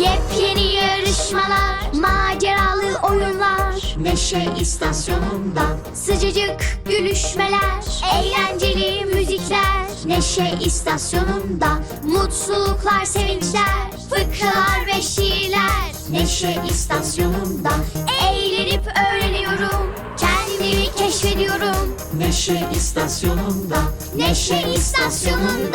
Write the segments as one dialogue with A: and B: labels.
A: Yepyeni yarışmalar, maceralı oyunlar. Neşe istasyonunda sıcacık gülüşmeler, eğlenceli müzikler. Neşe istasyonunda mutluluklar, sevinçler, fıkralar ve şiirler. Neşe istasyonunda eğlenip öğreniyorum, kendimi keşfediyorum. Neşe istasyonunda, Neşe istasyonunda.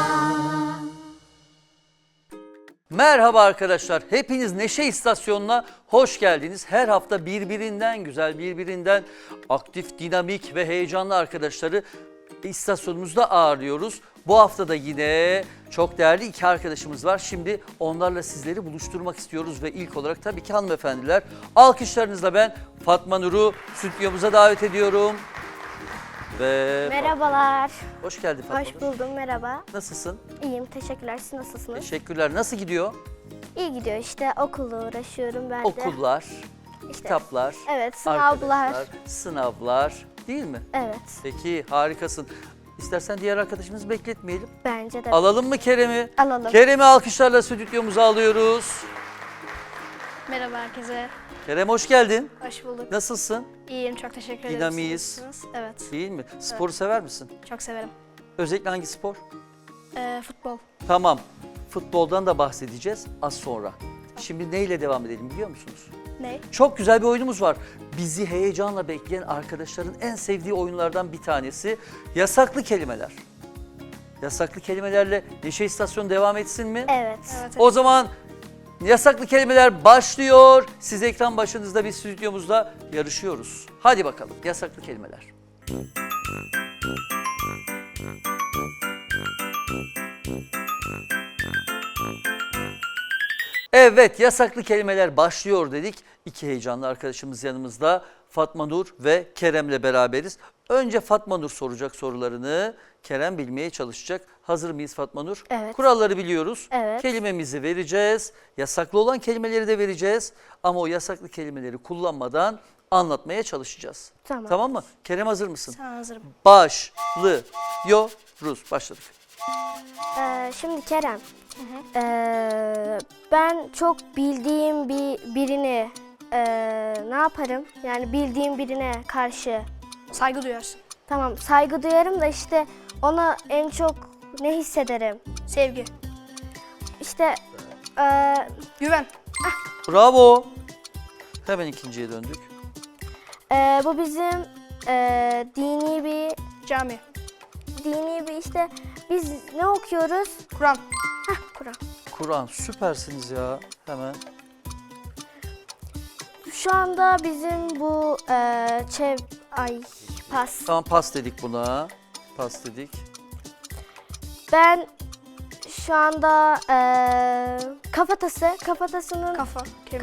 B: Merhaba arkadaşlar, hepiniz Neşe İstasyonu'na hoş geldiniz. Her hafta birbirinden güzel, birbirinden aktif, dinamik ve heyecanlı arkadaşları istasyonumuzda ağırlıyoruz. Bu hafta da yine çok değerli iki arkadaşımız var. Şimdi onlarla sizleri buluşturmak istiyoruz ve ilk olarak tabii ki hanımefendiler. Alkışlarınızla ben Fatma Nur'u stüdyomuza davet ediyorum. Ve
C: Merhabalar.
B: hoş geldin Fatma
C: Hoş
B: Nur.
C: buldum, merhaba.
B: Nasılsın?
C: İyiyim, teşekkürler. Siz nasılsınız?
B: Teşekkürler. Nasıl gidiyor?
C: İyi gidiyor işte, okulla uğraşıyorum ben de.
B: Okullar,
C: İşte,
B: kitaplar,
C: evet, sınavlar.
B: arkadaşlar, sınavlar değil mi?
C: Evet,
B: Peki harikasın. İstersen diğer arkadaşımızı bekletmeyelim.
C: bence de.
B: Alalım mı Kerem'i?
C: Alalım.
B: Kerem'i alkışlarla stüdyomuza alıyoruz.
D: Merhaba herkese.
B: Kerem hoş geldin.
D: Hoş bulduk.
B: Nasılsın?
D: İyiyim, çok teşekkür ederim.
B: Dinamiyiz.
D: Siz nasılsınız? Evet,
B: Değil mi? Sporu sever misin?
D: çok severim.
B: Özellikle hangi spor?
D: Futbol.
B: Tamam. Futboldan da bahsedeceğiz az sonra. Şimdi neyle devam edelim biliyor musunuz?
D: Ne?
B: Çok güzel bir oyunumuz var. Bizi heyecanla bekleyen arkadaşların en sevdiği oyunlardan bir tanesi yasaklı kelimeler. Yasaklı kelimelerle Neşe İstasyonu devam etsin mi?
C: Evet.
D: Evet.
B: O zaman yasaklı kelimeler başlıyor. Siz ekran başınızda, biz stüdyomuzda yarışıyoruz. Hadi bakalım yasaklı kelimeler. Evet, yasaklı kelimeler başlıyor dedik. İki heyecanlı arkadaşımız yanımızda. Fatma Nur ve Kerem'le beraberiz. Önce Fatma Nur soracak sorularını, Kerem bilmeye çalışacak. Hazır mıyız Fatma Nur?
C: Evet.
B: Kuralları biliyoruz.
C: Evet.
B: Kelimemizi vereceğiz. Yasaklı olan kelimeleri de vereceğiz. Ama o yasaklı kelimeleri kullanmadan anlatmaya çalışacağız.
C: Tamam.
B: Tamam mı? Kerem hazır mısın?
D: Tamam, hazırım.
B: Başlıyoruz. Başladık.
C: Şimdi Kerem, ben çok bildiğim birini ne yaparım? Yani bildiğim birine karşı.
D: Saygı duyarsın.
C: Tamam, saygı duyarım da işte ona en çok ne hissederim?
D: Sevgi.
C: İşte
D: Güven.
B: Bravo. Hemen ikinciye döndük.
C: bu bizim dini
D: Cami.
C: bir işte biz ne okuyoruz?
D: Kur'an.
C: Kur'an.
B: Kur'an, süpersiniz ya. Hemen.
C: Şu anda bizim bu pas.
B: Tamam, pas dedik buna. Pas dedik.
C: Ben şu anda kafatasının
D: Kafa.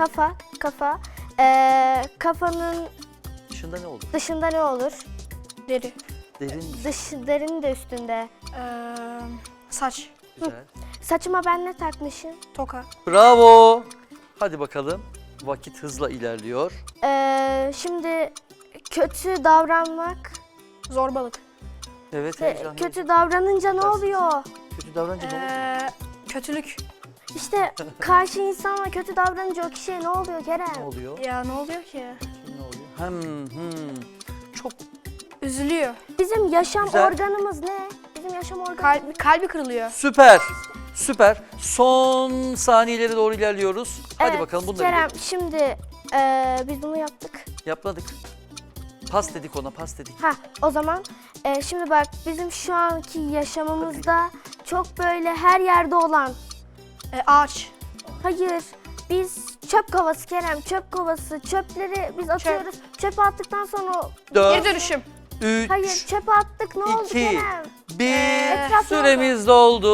C: kafanın
B: Dışında ne olur?
C: dışında ne olur?
D: Deri.
B: Derin,
C: Derinin de üstünde.
D: Saç.
B: güzel.
C: Saçıma ben ne takmışım?
D: Toka.
B: Bravo. Hadi bakalım. Vakit hızla ilerliyor.
C: Şimdi kötü davranmak.
D: Zorbalık.
B: Evet, heyecanlı.
C: Kötü davranınca ne
B: Süpersiniz.
C: oluyor?
B: Kötü davranınca ne oluyor?
D: Kötülük.
C: İşte karşı insanla kötü davranınca o kişiye ne oluyor
B: Ne
C: Kerem?
B: oluyor?
D: Ya ne oluyor ki?
B: Ne oluyor? Çok
D: Üzülüyor.
C: Bizim yaşam
B: Güzel.
C: organımız ne? Bizim yaşam organımız.
D: Kalbi kırılıyor.
B: süper. Süper. Son saniyelere doğru ilerliyoruz. Hadi
C: Evet,
B: bakalım bunları
C: Kerem, şimdi biz bunu yaptık.
B: yapladık. Pas dedik ona, pas dedik.
C: O zaman şimdi bak bizim şu anki yaşamımızda çok böyle her yerde olan.
D: Ağaç.
C: Hayır, biz çöp kovası Kerem, çöp kovası. Çöpleri biz atıyoruz. Çöpe attıktan sonra...
D: Geri
B: 4,
D: dönüşüm.
B: 3,
C: Hayır, çöpe attık, ne oldu
B: 2,
C: Kerem?
B: 1,
C: Etraf
B: süremiz doldu.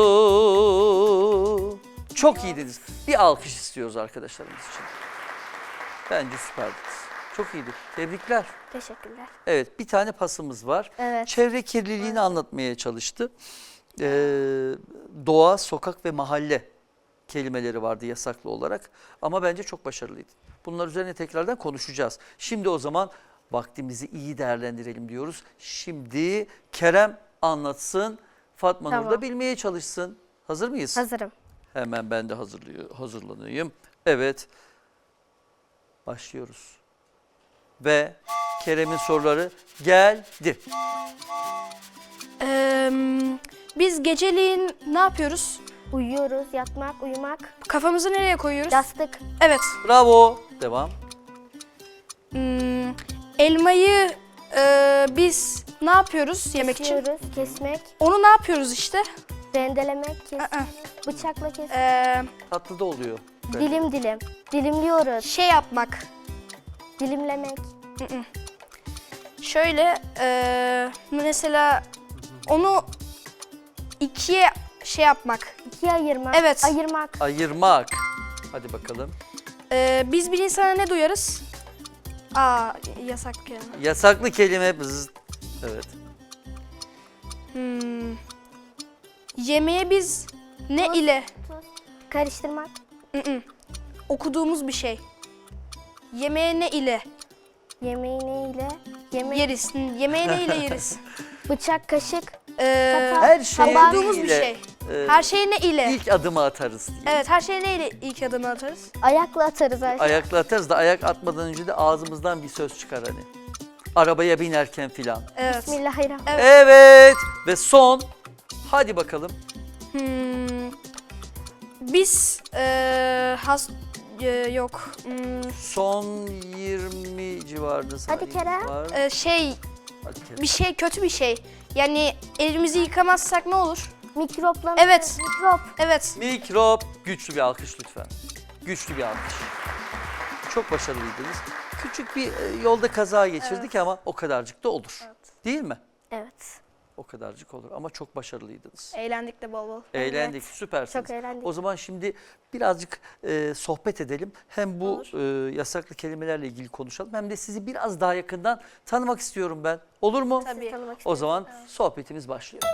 B: Çok iyiydiniz. Bir alkış istiyoruz arkadaşlarımız için. Bence süperdiniz. Çok iyiydi. Tebrikler.
C: Teşekkürler.
B: Evet, bir tane pasımız var.
C: Evet.
B: Çevre kirliliğini anlatmaya çalıştı. Doğa, sokak ve mahalle kelimeleri vardı yasaklı olarak. Ama bence çok başarılıydı. Bunlar üzerine tekrardan konuşacağız. Şimdi o zaman vaktimizi iyi değerlendirelim diyoruz. Şimdi Kerem anlatsın, Fatma Nur da
C: Tamam.
B: bilmeye çalışsın. Hazır mıyız?
C: Hazırım.
B: Hemen ben de hazırlanayım. Evet. Başlıyoruz. Ve Kerem'in soruları geldi.
D: Biz geceliğin ne yapıyoruz?
C: Uyuyoruz, yatmak, uyumak,
D: Kafamızı nereye koyuyoruz?
C: yastık,
D: Evet.
B: Bravo. Devam.
D: Elmayı biz ne yapıyoruz yemek için?
C: kesiyoruz, kesmek,
D: Onu ne yapıyoruz işte?
C: rendelemek,
D: Aa.
C: bıçakla kesmek,
B: Tatlı da oluyor.
C: dilim dilim, dilimliyoruz,
D: Şey yapmak.
C: dilimlemek,
D: Şöyle mesela onu ikiye şey yapmak.
C: ikiye ayırmak,
D: Evet.
C: ayırmak,
B: Ayırmak. Hadi bakalım.
D: Biz bir insana ne duyarız? Aa, yasak ya.
B: Yasaklı kelime. Bzzz. Evet.
D: Yemeğe biz ne ile?
C: karıştırmak,
D: Okuduğumuz bir şey. Yemeğe ne ile
C: yemeği ne ile,
D: yeriz? Yemeğe ne ile yeriz?
C: bıçak, kaşık,
B: Her şey
D: Okuduğumuz bir şey.
B: e,
D: Her şey ne ile?
B: ilk adımı atarız diye.
D: Evet, her şey ne ile ilk adımı atarız?
C: ayakla atarız her şeyi.
B: Ayakla atarız da ayak atmadan önce de ağzımızdan bir söz çıkar hani. Arabaya binerken filan.
D: Evet.
C: Bismillahirrahmanirrahim.
B: Evet. Ve son. Hadi bakalım.
D: Biz yok.
B: Son 20 civarında
C: Hadi Kerem.
B: var.
D: Şey
B: Hadi Kerem.
D: bir şey kötü bir şey. Yani elimizi yıkamazsak ne olur?
C: Mikropla,
D: Evet.
C: mikrop,
D: Evet.
B: Mikrop. Güçlü bir alkış lütfen. Güçlü bir alkış. Çok başarılıydınız. Küçük bir yolda kaza geçirdik ama o kadarcık da olur. Değil mi?
C: evet,
B: O kadarcık olur ama çok başarılıydınız.
D: Eğlendik de bol bol.
B: Eğlendik, süpersiniz.
C: çok eğlendik.
B: O zaman şimdi birazcık sohbet edelim. Hem bu yasaklı kelimelerle ilgili konuşalım hem de sizi biraz daha yakından tanımak istiyorum ben. Olur mu?
D: Tabii.
C: Tanımak
B: O
C: istiyorum.
B: zaman sohbetimiz başlıyor.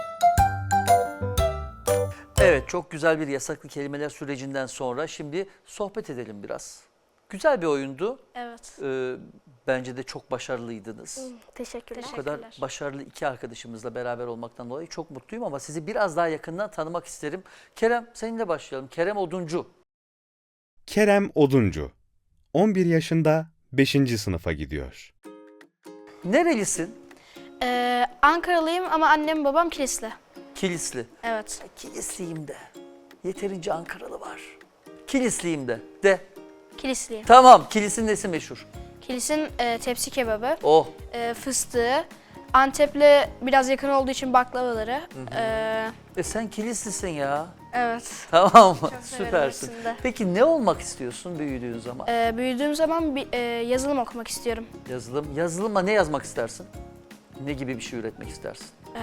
B: Evet, çok güzel bir yasaklı kelimeler sürecinden sonra şimdi sohbet edelim biraz. Güzel bir oyundu.
D: Evet.
B: Bence de çok başarılıydınız.
C: Teşekkürler.
B: Bu kadar
D: Teşekkürler.
B: başarılı iki arkadaşımızla beraber olmaktan dolayı çok mutluyum ama sizi biraz daha yakından tanımak isterim. Kerem, seninle başlayalım. Kerem Oduncu.
E: Kerem Oduncu, 11 yaşında 5. sınıfa gidiyor.
B: Nerelisin?
D: Ankaralıyım ama annem babam Kilisli.
B: Kilisli.
D: Evet.
B: Kilisliyim de. Yeterince Ankaralı var. Kilisliyim de. De.
D: Kilisliyim.
B: Tamam, Kilis'in nesi meşhur?
D: Kilis'in tepsi kebabı,
B: Oh,
D: fıstığı, Antep'le biraz yakın olduğu için baklavaları.
B: sen Kilislisin ya.
D: Evet.
B: Tamam,
D: severim
B: süpersin.
D: hepsini de.
B: Peki ne olmak istiyorsun büyüdüğün zaman?
D: Büyüdüğüm zaman bir yazılım okumak istiyorum.
B: Yazılım. Yazılıma ne yazmak istersin? Ne gibi bir şey üretmek istersin?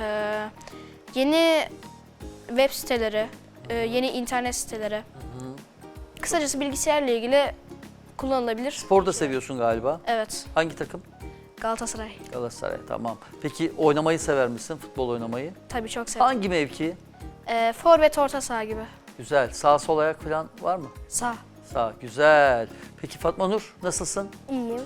D: Yeni web siteleri, yeni internet siteleri. Kısacası bilgisayarla ilgili kullanılabilir.
B: Spor da seviyorsun galiba.
D: Evet,
B: Hangi takım?
D: Galatasaray.
B: Galatasaray, tamam. Peki oynamayı sever misin? Futbol oynamayı?
D: Tabii çok severim.
B: Hangi mevki?
D: Forvet orta saha gibi.
B: Güzel. Sağ sol ayak falan var mı?
D: Sağ.
B: Sağ, güzel. Peki Fatma Nur nasılsın?
C: İyiyim.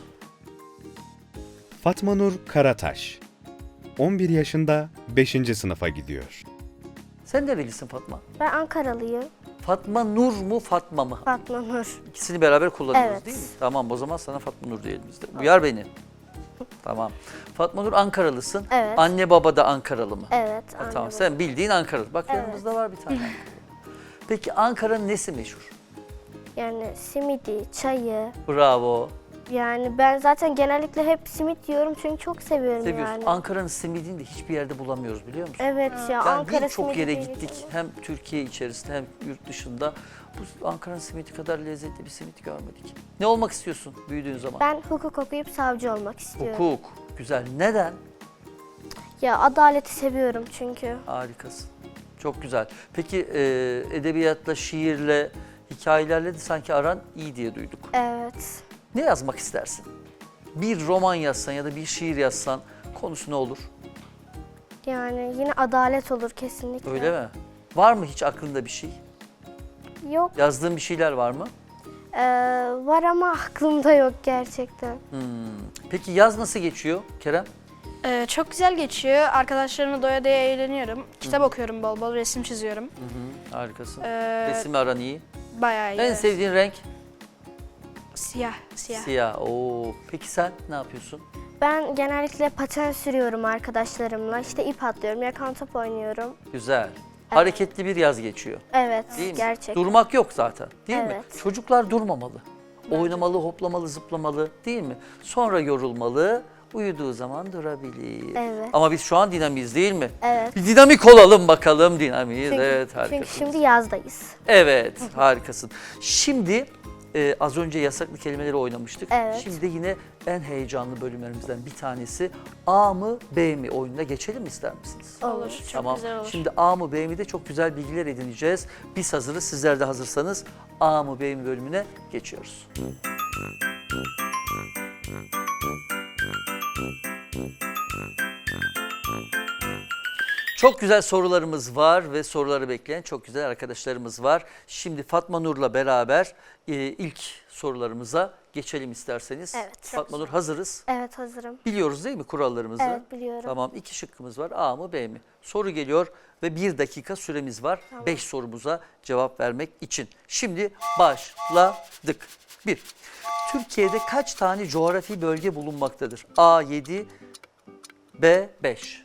E: Fatma Nur Karataş, 11 yaşında 5. sınıfa gidiyor.
B: Sen nerelisin Fatma?
C: Ben Ankaralıyım.
B: Fatma Nur mu Fatma mı?
C: Fatma Nur.
B: İkisini beraber kullanıyoruz
C: Evet.
B: değil mi? Tamam, o zaman sana Fatma Nur diyelim biz de. Uyar beni. Tamam. Fatma Nur Ankaralısın.
C: Evet.
B: Anne baba da Ankaralı mı?
C: Evet.
B: Tamam,
C: anladım.
B: sen bildiğin Ankaralı. Bak
C: Evet.
B: yanımızda var bir tane Ankaralı. Peki Ankara'nın nesi meşhur?
C: Yani simidi, çayı.
B: Bravo.
C: Yani ben zaten genellikle hep simit yiyorum çünkü çok seviyorum
B: Seviyorsun.
C: yani.
B: Ankara'nın simidini de hiçbir yerde bulamıyoruz biliyor musun?
C: Evet ya
B: Yani
C: Ankara
B: birçok
C: simidi
B: yere
C: değil.
B: gittik. Hem Türkiye içerisinde hem yurt dışında. Bu Ankara'nın simidi kadar lezzetli bir simit görmedik. Ne olmak istiyorsun büyüdüğün zaman?
C: Ben hukuk okuyup savcı olmak istiyorum.
B: Hukuk. Güzel. Neden?
C: Ya adaleti seviyorum çünkü.
B: Harikasın. Çok güzel. Peki edebiyatla, şiirle, hikayelerle de sanki aran iyi diye duyduk.
C: Evet.
B: Ne yazmak istersin? Bir roman yazsan ya da bir şiir yazsan konusu ne olur?
C: Yani yine adalet olur kesinlikle.
B: Öyle mi? Var mı hiç aklında bir şey?
C: Yok.
B: Yazdığın bir şeyler var mı?
C: Var ama aklımda yok gerçekten.
B: Peki yaz nasıl geçiyor Kerem?
D: Çok güzel geçiyor. Arkadaşlarımla doya doya eğleniyorum. Kitap okuyorum bol bol, resim çiziyorum.
B: Harikasın.
D: Ee,
B: Resimle aran iyi.
D: Bayağı iyi.
B: En
D: evet.
B: sevdiğin renk?
D: Siyah.
B: Siyah. Oo. Peki sen ne yapıyorsun?
C: Ben genellikle paten sürüyorum arkadaşlarımla. İşte ip atlıyorum, yakan top oynuyorum.
B: Güzel. Hareketli bir yaz geçiyor.
C: Evet,
B: Değil mi?
C: gerçekten.
B: Durmak yok zaten, değil mi?
C: Evet.
B: Çocuklar durmamalı. Oynamalı, hoplamalı, zıplamalı, değil mi? Sonra yorulmalı, uyuduğu zaman durabilir.
C: Evet.
B: Ama biz şu an dinamiyiz, değil mi?
C: Evet.
B: Bir dinamik olalım bakalım, dinamiyiz.
C: Çünkü,
B: Evet,
C: çünkü
B: harikasın.
C: şimdi yazdayız.
B: Evet, harikasın. Şimdi az önce yasaklı kelimeleri oynamıştık.
C: Evet.
B: Şimdi de yine en heyecanlı bölümlerimizden bir tanesi A mı B mi oyununa geçelim mi ister misiniz?
D: Olur. Çok
B: Tamam.
D: güzel olur.
B: Şimdi A mı B mi de çok güzel bilgiler edineceğiz. Biz hazırız. Sizler de hazırsanız A mı B mi bölümüne geçiyoruz. Çok güzel sorularımız var ve soruları bekleyen çok güzel arkadaşlarımız var. Şimdi Fatma Nur'la beraber ilk sorularımıza geçelim isterseniz.
C: Evet.
B: Fatma Nur hazırız.
C: Evet, hazırım.
B: Biliyoruz değil mi kurallarımızı?
C: Evet, biliyorum.
B: Tamam, 2 şıkkımız var. A mı B mi? Soru geliyor ve 1 dakika süremiz var. 5 sorumuza cevap vermek için. Şimdi başladık. 1. Türkiye'de kaç tane coğrafi bölge bulunmaktadır? A 7, B 5.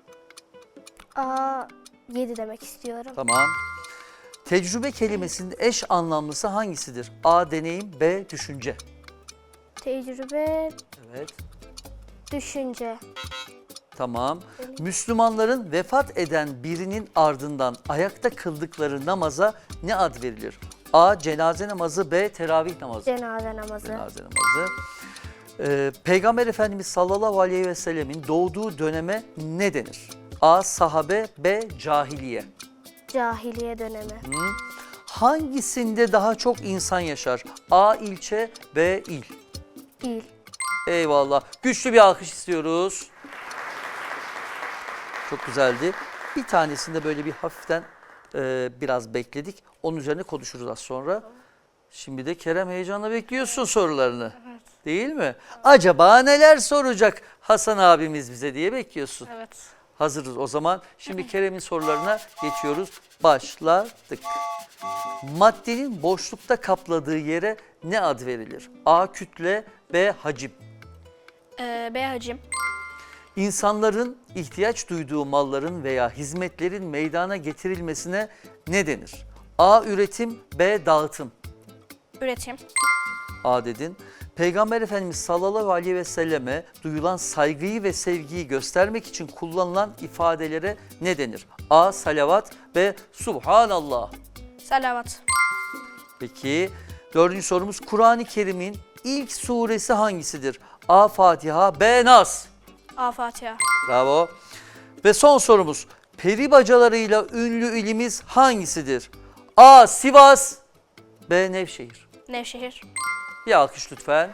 C: A 7 demek istiyorum.
B: Tamam. Tecrübe kelimesinin eş anlamlısı hangisidir? A deneyim, B düşünce.
C: Tecrübe,
B: Evet.
C: düşünce.
B: Tamam. Müslümanların vefat eden birinin ardından ayakta kıldıkları namaza ne ad verilir? A. Cenaze namazı, B. Teravih namazı.
C: Cenaze namazı.
B: Cenaze namazı. Peygamber Efendimiz sallallahu aleyhi ve sellemin doğduğu döneme ne denir? A. Sahabe, B. Cahiliye.
C: Cahiliye dönemi.
B: Hangisinde daha çok insan yaşar? A. ilçe, B. il.
C: İl.
B: Eyvallah. Güçlü bir alkış istiyoruz. Çok güzeldi. Bir tanesinde böyle bir hafiften biraz bekledik. Onun üzerine konuşuruz az sonra. Şimdi de Kerem heyecanla bekliyorsun sorularını. Evet. Değil mi? Acaba neler soracak Hasan abimiz bize diye bekliyorsun.
D: Evet.
B: Hazırız o zaman. Şimdi Kerem'in sorularına geçiyoruz. Başladık. Maddenin boşlukta kapladığı yere ne ad verilir? A. Kütle, B. Hacim.
D: B hacim.
B: İnsanların ihtiyaç duyduğu malların veya hizmetlerin meydana getirilmesine ne denir? A. Üretim, B. Dağıtım.
D: Üretim.
B: A dedin. Peygamber Efendimiz sallallahu aleyhi ve selleme duyulan saygıyı ve sevgiyi göstermek için kullanılan ifadelere ne denir? A. Salavat, B. Subhanallah.
D: Salavat.
B: Peki dördüncü sorumuz Kur'an-ı Kerim'in ilk suresi hangisidir? A. Fatiha, B. Nas.
D: A Fatiha.
B: Bravo. Ve son sorumuz peri bacalarıyla ünlü ilimiz hangisidir? A. Sivas, B. Nevşehir.
D: Nevşehir.
B: Bir alkış lütfen.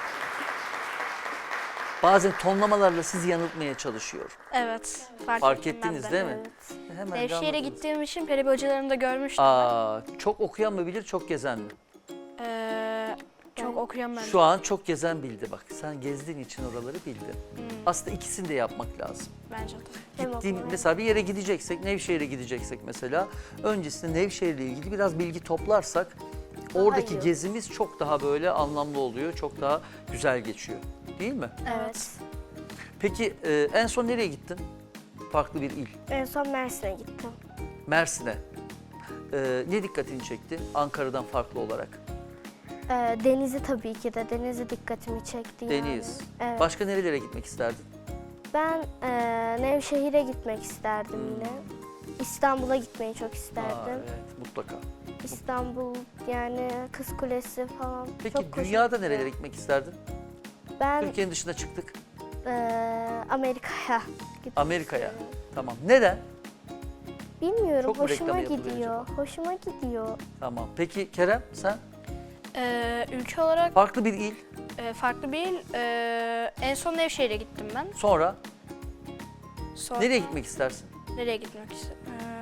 B: Bazen tonlamalarla sizi yanıltmaya çalışıyor.
D: Evet.
B: Fark
D: ettim ben
B: ettiniz
D: de.
B: değil mi?
C: Evet.
B: Hemen
D: Nevşehir'e
B: anladınız.
D: gittiğim için peri bacalarını da görmüştüm.
B: Çok okuyan mı bilir, çok gezen mi?
D: Çok okuyorum ben.
B: Şu an çok gezen bildi bak. Sen gezdiğin için oraları bildin. Aslında ikisini de yapmak lazım.
D: Bence de.
C: Hem
B: Gittiğim,
C: okumayı-
B: mesela bir yere gideceksek, Nevşehir'e gideceksek mesela, öncesinde Nevşehir'le ilgili biraz bilgi toplarsak, oradaki
C: iyi.
B: gezimiz çok daha böyle anlamlı oluyor, çok daha güzel geçiyor. Değil mi?
C: Evet.
B: Peki en son nereye gittin? Farklı bir il.
C: En son Mersin'e gittim.
B: Mersin'e. Ne dikkatini çekti Ankara'dan farklı olarak?
C: Denizi tabii ki de. Denizi dikkatimi çekti yani.
B: Deniz.
C: Evet.
B: Başka nerelere gitmek isterdin?
C: Ben Nevşehir'e gitmek isterdim yine. İstanbul'a gitmeyi çok isterdim.
B: Evet, mutlaka.
C: İstanbul yani Kız Kulesi falan.
B: Peki
C: çok hoşuma
B: dünyada
C: gidiyor.
B: nerelere gitmek isterdin?
C: Ben
B: Türkiye'nin dışına çıktık.
C: Amerika'ya gitmek
B: Amerika'ya.
C: istiyorum.
B: Tamam. Neden?
C: Bilmiyorum,
B: Çok mu
C: hoşuma
B: reklamı yapılıyor
C: gidiyor. Hoşuma gidiyor.
B: Tamam. Peki Kerem sen?
D: Ülke olarak
B: Farklı bir il.
D: farklı bir il. En son Nevşehir'e gittim ben.
B: Sonra
D: Sonra
B: nereye gitmek istersin?
D: Nereye gitmek istedim?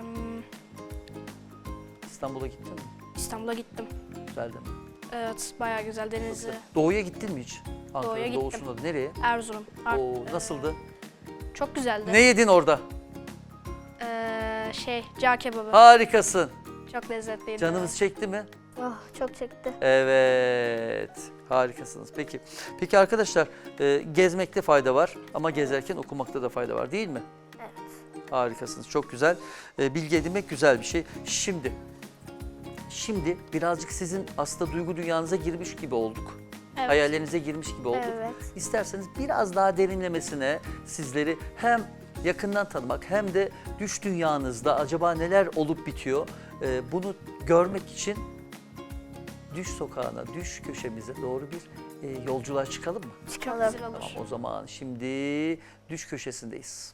B: İstanbul'a gittin mi?
D: İstanbul'a gittim.
B: Güzel değil mi?
D: Evet, bayağı güzel denizi.
B: Doğu'ya gittin mi hiç?
D: Doğu'ya
B: Ankara'nın
D: gittim.
B: doğusunda da nereye?
D: Erzurum.
B: Oo, nasıldı?
D: Çok güzeldi.
B: Ne yedin orada?
D: Cağ kebabı.
B: Harikasın.
D: Çok lezzetliydi.
B: Canımız çekti mi?
C: Oh, çok çekti.
B: Evet. Harikasınız. Peki arkadaşlar, gezmekte fayda var ama gezerken okumakta da fayda var değil mi?
C: Evet.
B: Harikasınız. Çok güzel. Bilgi edinmek güzel bir şey. Şimdi birazcık sizin aslında duygu dünyanıza girmiş gibi olduk.
D: Evet.
B: Hayallerinize girmiş gibi olduk.
C: Evet.
B: İsterseniz biraz daha derinlemesine sizleri hem yakından tanımak hem de düş dünyanızda acaba neler olup bitiyor bunu görmek için düş sokağına, düş köşemize doğru bir yolculuğa çıkalım mı?
C: Çıkalım.
D: Güzel olur.
B: Tamam, o zaman şimdi düş köşesindeyiz.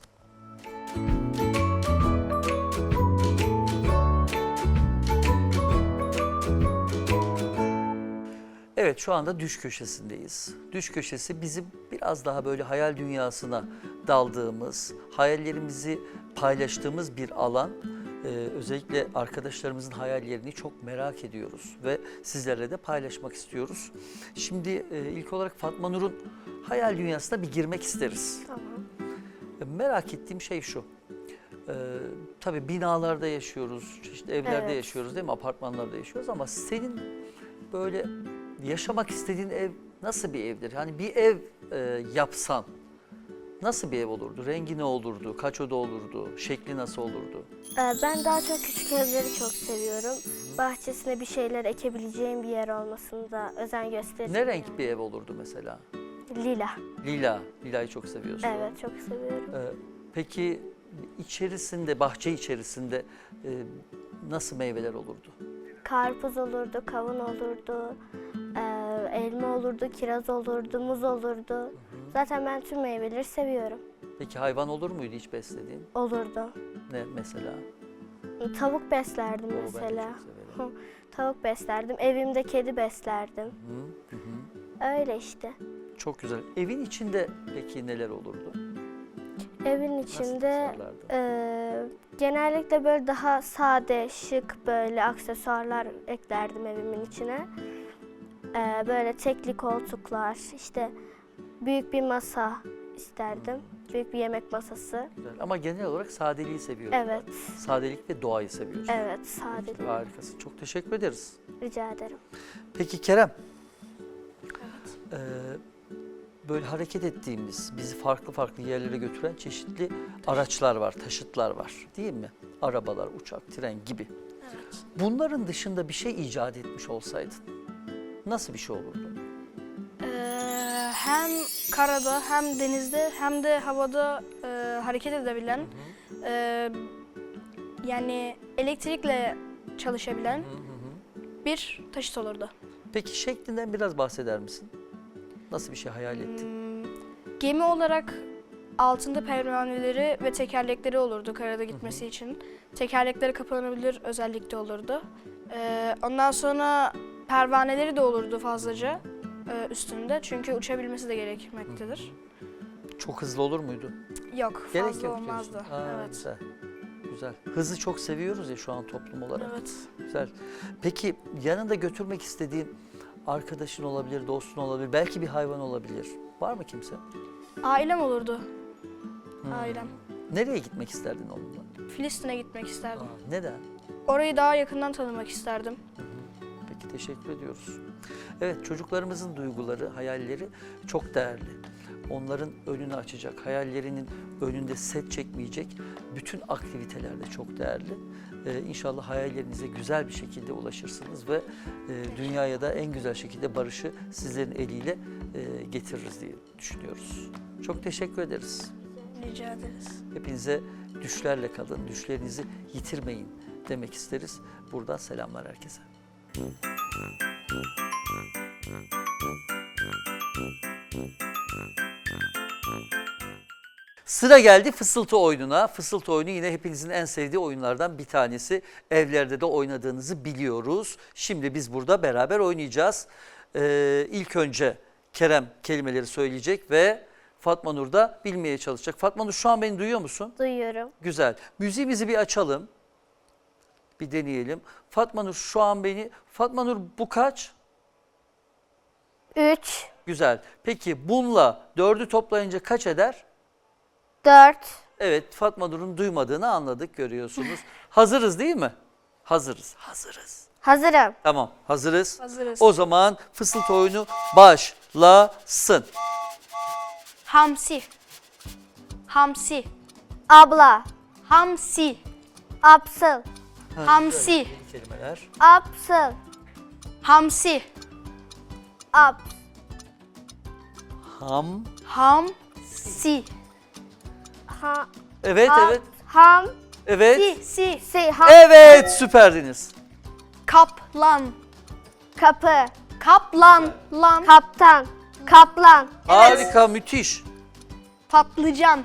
B: Evet, şu anda düş köşesindeyiz. Düş köşesi bizim biraz daha böyle hayal dünyasına daldığımız, hayallerimizi paylaştığımız bir alan. Özellikle arkadaşlarımızın hayallerini çok merak ediyoruz ve sizlerle de paylaşmak istiyoruz. Şimdi ilk olarak Fatma Nur'un hayal dünyasına bir girmek isteriz.
C: Tamam.
B: Merak ettiğim şey şu. Tabii binalarda yaşıyoruz, çeşitli evlerde
C: Evet.
B: yaşıyoruz değil mi? Apartmanlarda yaşıyoruz ama senin böyle yaşamak istediğin ev nasıl bir evdir? Yani bir ev yapsan nasıl bir ev olurdu? Rengi ne olurdu? Kaç oda olurdu? Şekli nasıl olurdu?
C: Ben daha çok küçük evleri çok seviyorum. Bahçesine bir şeyler ekebileceğim bir yer olmasını da özen gösteririm.
B: Ne renk bir ev olurdu mesela?
C: Lila.
B: Lila. Lila'yı çok seviyorsun.
C: Evet, çok seviyorum.
B: Peki içerisinde, bahçe içerisinde nasıl meyveler olurdu?
C: Karpuz olurdu, kavun olurdu, elma olurdu, kiraz olurdu, muz olurdu. Zaten ben tüm meyveleri seviyorum.
B: Peki hayvan olur muydu hiç beslediğin?
C: Olurdu.
B: Ne mesela?
C: Tavuk beslerdim
B: Oo, ben de
C: mesela.
B: çok severim.
C: Tavuk beslerdim. Evimde kedi beslerdim.
B: Hı hı.
C: Öyle işte.
B: Çok güzel. Evin içinde peki neler olurdu?
C: Evin
B: Nasıl
C: içinde
B: tasarlardın?
C: genellikle böyle daha sade, şık böyle aksesuarlar eklerdim evimin içine. Böyle tekli koltuklar, işte büyük bir masa isterdim. Büyük bir yemek masası.
B: Güzel. Ama genel olarak sadeliği seviyorsun.
C: Evet,
B: Sadelik ve doğayı seviyorsun.
C: evet, sade.
B: Harikasın. Çok teşekkür ederiz.
C: Rica ederim.
B: Peki Kerem. Böyle hareket ettiğimiz, bizi farklı farklı yerlere götüren çeşitli araçlar var, taşıtlar var değil mi? Arabalar, uçak, tren gibi.
D: Evet.
B: Bunların dışında bir şey icat etmiş olsaydın nasıl bir şey olurdu?
D: Hem karada hem denizde hem de havada hareket edebilen, yani elektrikle çalışabilen bir taşıt olurdu.
B: Peki şeklinden biraz bahseder misin? Nasıl bir şey hayal ettin?
D: Gemi olarak altında pervaneleri ve tekerlekleri olurdu karada gitmesi için. Tekerlekleri kapanabilir özellikte olurdu. Ondan sonra pervaneleri de olurdu fazlaca üstünde çünkü uçabilmesi de gerekmektedir.
B: Çok hızlı olur muydu?
D: Yok,
B: Gerek
D: fazla
B: yok
D: olmazdı.
B: diyorsun. Aa,
D: Evet.
B: Güzel. Güzel. Hızı çok seviyoruz ya şu an toplum olarak.
D: Evet.
B: Güzel. Peki yanında götürmek istediğin arkadaşın olabilir, dostun olabilir, belki bir hayvan olabilir. Var mı kimse?
D: Ailem olurdu. Ailem.
B: Nereye gitmek isterdin onunla?
D: Filistin'e gitmek isterdim.
B: Aa, neden?
D: Orayı daha yakından tanımak isterdim.
B: Peki teşekkür ediyoruz. Evet, çocuklarımızın duyguları, hayalleri çok değerli. Onların önünü açacak, hayallerinin önünde set çekmeyecek bütün aktiviteler de çok değerli. İnşallah hayallerinize güzel bir şekilde ulaşırsınız ve dünyaya da en güzel şekilde barışı sizlerin eliyle getiririz diye düşünüyoruz. Çok teşekkür ederiz.
D: Rica ederiz.
B: Hepinize düşlerle kalın, düşlerinizi yitirmeyin demek isteriz. Buradan selamlar herkese. Sıra geldi fısıltı oyununa. Fısıltı oyunu yine hepinizin en sevdiği oyunlardan bir tanesi. Evlerde de oynadığınızı biliyoruz. Şimdi biz burada beraber oynayacağız. İlk önce Kerem kelimeleri söyleyecek ve Fatma Nur da bilmeye çalışacak. Fatma Nur şu an beni duyuyor musun?
C: Duyuyorum.
B: Güzel. Müziğimizi bir açalım. Bir deneyelim. Fatma Nur şu an beni... Fatma Nur bu kaç?
C: 3,
B: Güzel. Peki bununla 4'ü toplayınca kaç eder?
C: 4.
B: Evet, Fatma Nur'un duymadığını anladık, görüyorsunuz. Hazırız değil mi? Hazırız. Hazırız.
C: Hazırım.
B: Tamam, hazırız.
D: Hazırız.
B: O zaman fısıltı oyunu başlasın.
D: Hamsi. Hamsi.
C: Abla.
D: Hamsi.
C: Apsıl.
D: Hamsi.
B: Yeni kelimeler.
C: Apsıl.
D: Hamsi.
C: Aps.
B: Ham.
D: Hamsi.
C: Ha,
B: Evet,
C: ha-
B: evet.
C: Ham.
B: Evet.
C: Si. Ham.
B: Evet, süperdiniz.
D: Kaplan.
C: Kapı.
D: Kaplan. Lan.
C: Kaptan. Kaplan.
B: Harika, müthiş.
D: Patlıcan.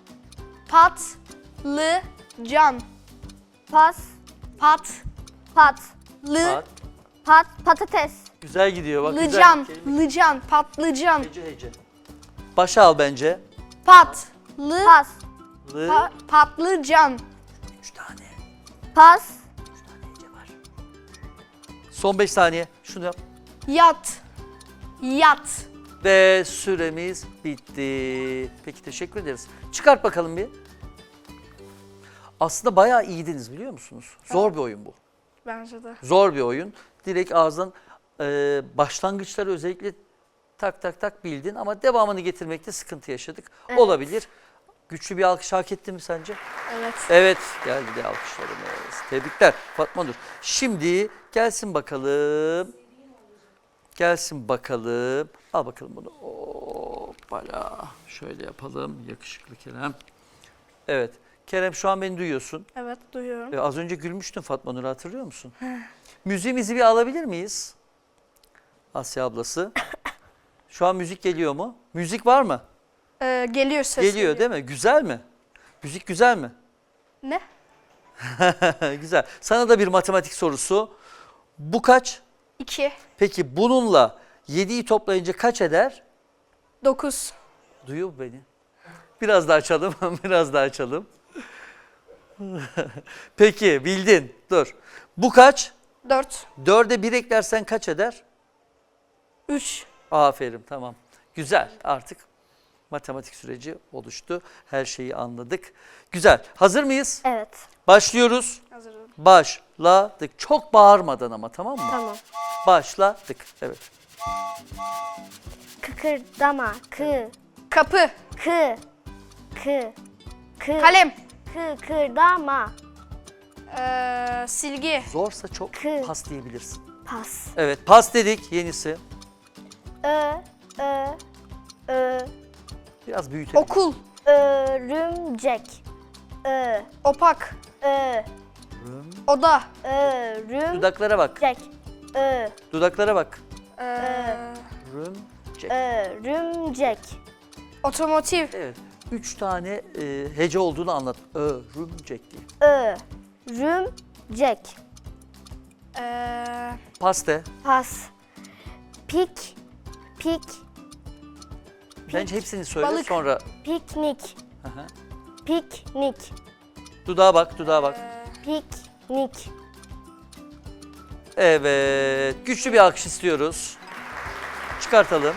D: Patlıcan.
C: Pas. Pat.
B: Bak,
C: Patates.
B: güzel gidiyor. Bak, güzel.
D: Patlıcan.
B: Kelime-
D: Lıcan. Patlıcan.
B: Hece hece. Başa al bence.
C: Pas.
D: Patlıcan.
B: 3 tane.
C: Pas.
B: Hece var. Son 5 saniye. Şunu yap.
D: Yat. Yat.
B: Ve süremiz bitti. Peki, teşekkür ederiz. Çıkart bakalım bir. Aslında bayağı iyiydiniz, biliyor musunuz? Zor bir oyun bu.
D: Bence de.
B: Zor bir oyun. Direkt ağızdan başlangıçları özellikle tak tak tak bildin ama devamını getirmekte sıkıntı yaşadık.
C: Evet.
B: Olabilir. Güçlü bir alkış hak etti mi sence?
D: Evet.
B: Evet, geldi de alkışlarımız. Tebrikler Fatma Nur. Şimdi gelsin bakalım. Gelsin bakalım. Al bakalım bunu. Hoppala. Şöyle yapalım. Yakışıklı Kerem. Evet. Kerem, şu an beni duyuyorsun.
D: Evet, duyuyorum.
B: Az önce gülmüştün Fatma Nur'u, hatırlıyor musun? Müziğimizi bir alabilir miyiz? Asya ablası. Şu an müzik geliyor mu? Müzik var mı?
D: Geliyor ses.
B: Geliyor değil mi? Güzel mi? Müzik güzel mi?
D: Ne?
B: Güzel. Sana da bir matematik sorusu. Bu kaç?
D: 2.
B: Peki bununla 7'yi toplayınca kaç eder?
D: 9.
B: Duyuyor mu beni? Biraz daha açalım, biraz daha açalım. Peki, bildin. Dur. Bu kaç?
D: 4.
B: 4'e 1 eklersen kaç eder?
D: 3.
B: Aferin, tamam. Güzel, artık matematik süreci oluştu. Her şeyi anladık. Güzel. Hazır mıyız?
C: Evet.
B: Başlıyoruz.
D: Hazırım.
B: Başladık. Çok bağırmadan ama, tamam mı?
C: Tamam.
B: Başladık. Evet.
C: Kıkırdama.
D: Kapı.
C: Kı.
D: Kalem.
C: Kıkırdama.
D: Silgi.
B: Zorsa çok
C: Kı.
B: pas diyebilirsin.
C: Pas.
B: Evet, pas dedik. Yenisi.
C: Ö.
B: Biraz büyütelim.
D: Okul.
C: Örümcek.
D: Opak.
C: Örümcek.
D: Oda.
B: Dudaklara bak. Dudaklara bak. Rümcek.
C: Örümcek.
D: Otomotiv.
B: Evet. 3 tane hece olduğunu anlat. Örümcek diye.
C: Örümcek.
B: Pas de.
C: Pas. Pik.
B: Bence hepsini söyle,
D: Balık.
B: sonra.
C: Piknik.
B: Aha.
C: Piknik.
B: Dudağa bak, dudağa bak.
C: Piknik.
B: Evet. Güçlü bir alkış istiyoruz. Çıkartalım.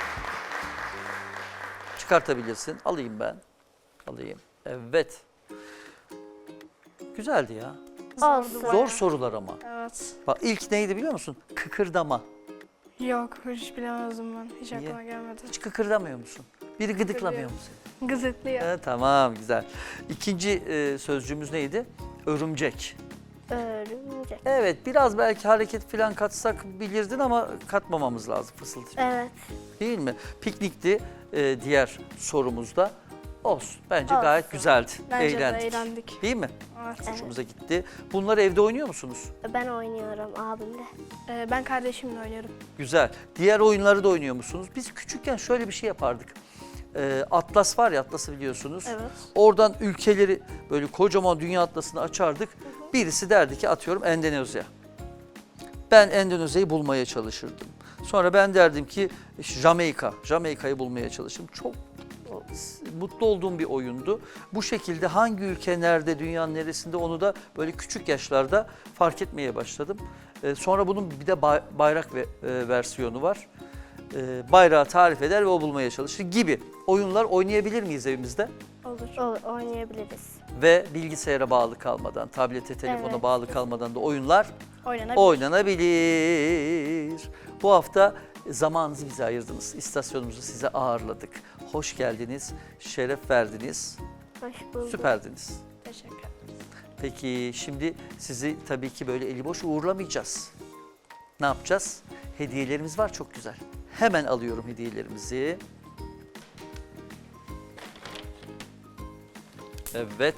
B: Çıkartabilirsin. Alayım ben. Alayım. Evet. Güzeldi ya.
C: Olsun.
B: Zor sorular ama.
D: Evet.
B: Bak, ilk neydi biliyor musun? Kıkırdama.
D: Yok, hiç bilemezdim ben. Hiç
B: Niye?
D: aklıma gelmedi.
B: Hiç kıkırdamıyor musun? Biri gıdıklamıyor mu seni?
D: Gızıklıyor.
B: Tamam, güzel. İkinci sözcüğümüz neydi? Örümcek.
C: Örümcek.
B: Evet, biraz belki hareket falan katsak bilirdin ama katmamamız lazım fısıltı.
C: Evet.
B: Değil mi? Piknikti diğer sorumuzda. Olsun. Bence
C: Olsun.
B: gayet güzeldi.
D: Bence
B: Eğlendik.
D: de eğlendik.
B: Değil mi?
D: Evet.
B: Hoşumuza gitti. Bunları evde oynuyor musunuz?
C: Ben oynuyorum abimle.
D: Ben kardeşimle oynuyorum.
B: Güzel. Diğer oyunları da oynuyor musunuz? Biz küçükken şöyle bir şey yapardık. Atlas var ya, Atlas'ı biliyorsunuz.
D: Evet.
B: Oradan ülkeleri, böyle kocaman dünya atlasını açardık. Birisi derdi ki, atıyorum, Endonezya. Ben Endonezya'yı bulmaya çalışırdım. Sonra ben derdim ki Jamaika. Jamaika'yı bulmaya çalıştım. Çok mutlu olduğum bir oyundu. Bu şekilde hangi ülke nerede, dünyanın neresinde, onu da böyle küçük yaşlarda fark etmeye başladım. Sonra bunun bir de bayrak versiyonu var. Bayrağı tarif eder ve o bulmaya çalışır gibi oyunlar oynayabilir miyiz evimizde?
D: Olur.
C: Oynayabiliriz.
B: ve bilgisayara bağlı kalmadan, tablete, telefona
C: Evet.
B: bağlı kalmadan da oyunlar
D: Oynanabilir.
B: oynanabilir. Bu hafta zamanınızı bize ayırdınız. İstasyonumuzu size ağırladık. Hoş geldiniz, şeref verdiniz,
C: Hoş bulduk.
B: süperdiniz.
D: Teşekkür ederim.
B: Peki şimdi sizi tabii ki böyle eli boş uğurlamayacağız. Ne yapacağız? Hediyelerimiz var çok güzel. Hemen alıyorum hediyelerimizi. Evet.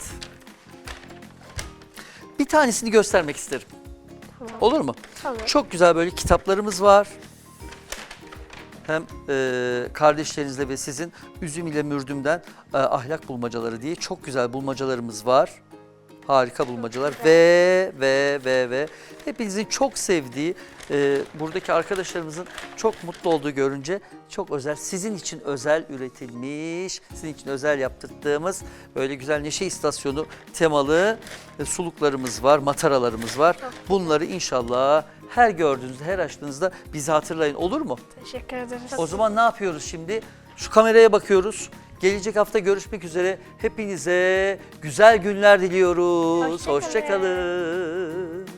B: Bir tanesini göstermek isterim. Olur mu?
C: Tamam.
B: Çok güzel böyle kitaplarımız var. Hem kardeşlerinizle ve sizin Üzüm ile Mürdüm'den ahlak bulmacaları diye çok güzel bulmacalarımız var. Harika bulmacalar ve hepinizin çok sevdiği, buradaki arkadaşlarımızın çok mutlu olduğu görünce çok özel, sizin için özel üretilmiş, sizin için özel yaptırdığımız böyle güzel Neşe İstasyonu temalı suluklarımız var, mataralarımız var. Bunları inşallah her gördüğünüzde, her açtığınızda bizi hatırlayın, olur mu?
D: Teşekkür ederiz.
B: O zaman ne yapıyoruz şimdi? Şu kameraya bakıyoruz. Gelecek hafta görüşmek üzere. Hepinize güzel günler diliyoruz. Hoşça kalın.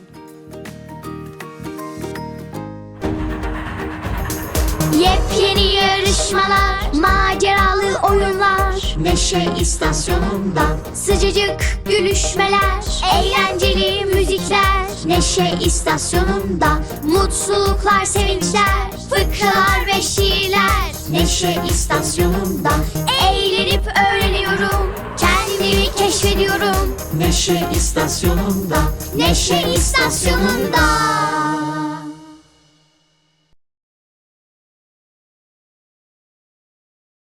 A: Yepyeni yarışmalar, maceralı oyunlar, Neşe İstasyonu'nda sıcacık gülüşmeler, eğlenceli müzikler, Neşe İstasyonu'nda mutluluklar, sevinçler, fıkralar ve şiirler, Neşe İstasyonu'nda eğlenip öğreniyorum, kendimi keşfediyorum, Neşe İstasyonu'nda, Neşe İstasyonu'nda.